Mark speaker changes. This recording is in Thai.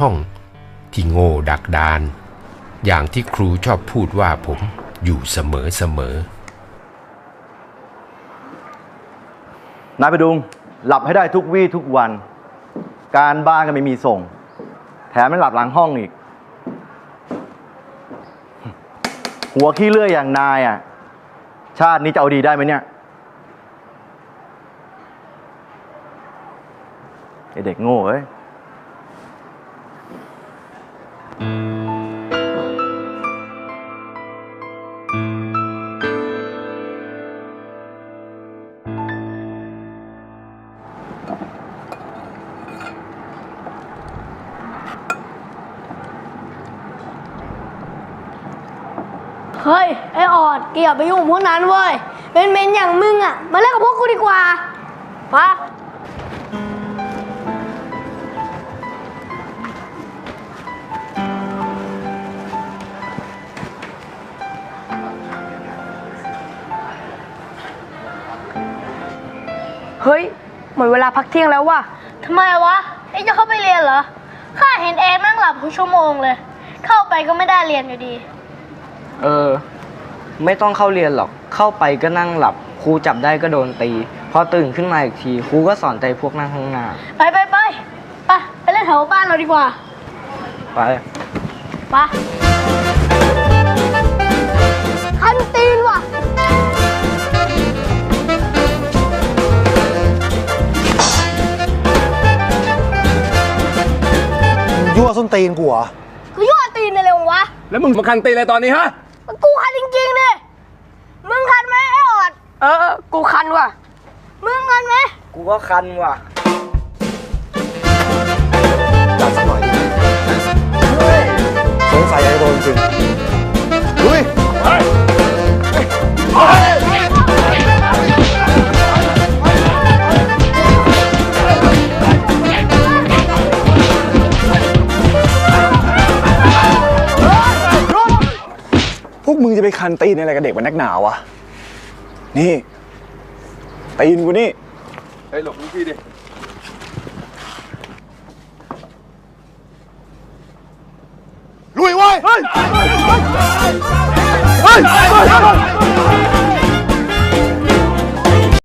Speaker 1: ห้องที่โง่ดักดานอย่างที่ครูชอบพูดว่าผมอยู่เสมอ
Speaker 2: นายประดุงหลับให้ได้ทุกวี่ทุกวันการบ้านก็ไม่มีส่งแถมไม่หลับหลังห้องอีกหัวขี้เลื่อยอย่างนายอ่ะชาตินี้จะเอาดีได้ไหมเนี่ยไอเด็กโง่เอ้ย
Speaker 3: เฮ้ยไอออดแกอย่าไปยุ่งกับพวกนั้นเว้ยเป็นเมนอย่างมึงอ่ะมาเล่นกับพวกกูดีกว่าปะเฮ้ยหมดเวลาพักเที่ยงแล้วว่ะทำไมวะเอ็งจะเข้าไปเรียนเหรอข้าเห็นเองนั่งหลับทุกชั่วโมงเลยเข้าไปก็ไม่ได้เรียนอยู่ดี
Speaker 4: ไม่ต้องเข้าเรียนหรอกเข้าไปก็นั่งหลับครูจับได้ก็โดนตีพอตื่นขึ้นมาอีกทีครูก็สอนใจพวกนั่งข้างหน้า
Speaker 3: ไปเล่นแถวบ้านเราดีกว่า
Speaker 4: ไป
Speaker 3: คันตีนว่ะ
Speaker 5: ยั่วส้นตีนกูเหรอ
Speaker 3: กูยั่วตีนเลยๆวะ
Speaker 6: แล้วมึงมาคันตีอะไรตอนนี้ฮะ
Speaker 3: กูคันจริงๆดิมึงคันไหมไอ้ออดกูคันว่ะมึงคันไหม
Speaker 4: กูก็คันว่ะ
Speaker 5: จัดสักหน่อยดิสงสัยไอ้โดนจริงลุย
Speaker 6: พวกมึงจะไปคันตีนอะไรกับเด็กมันนักหนาวะนี่ตีนกูนี่เฮ้ยหลบลูกพี่ดิ
Speaker 5: ลุยเว้ย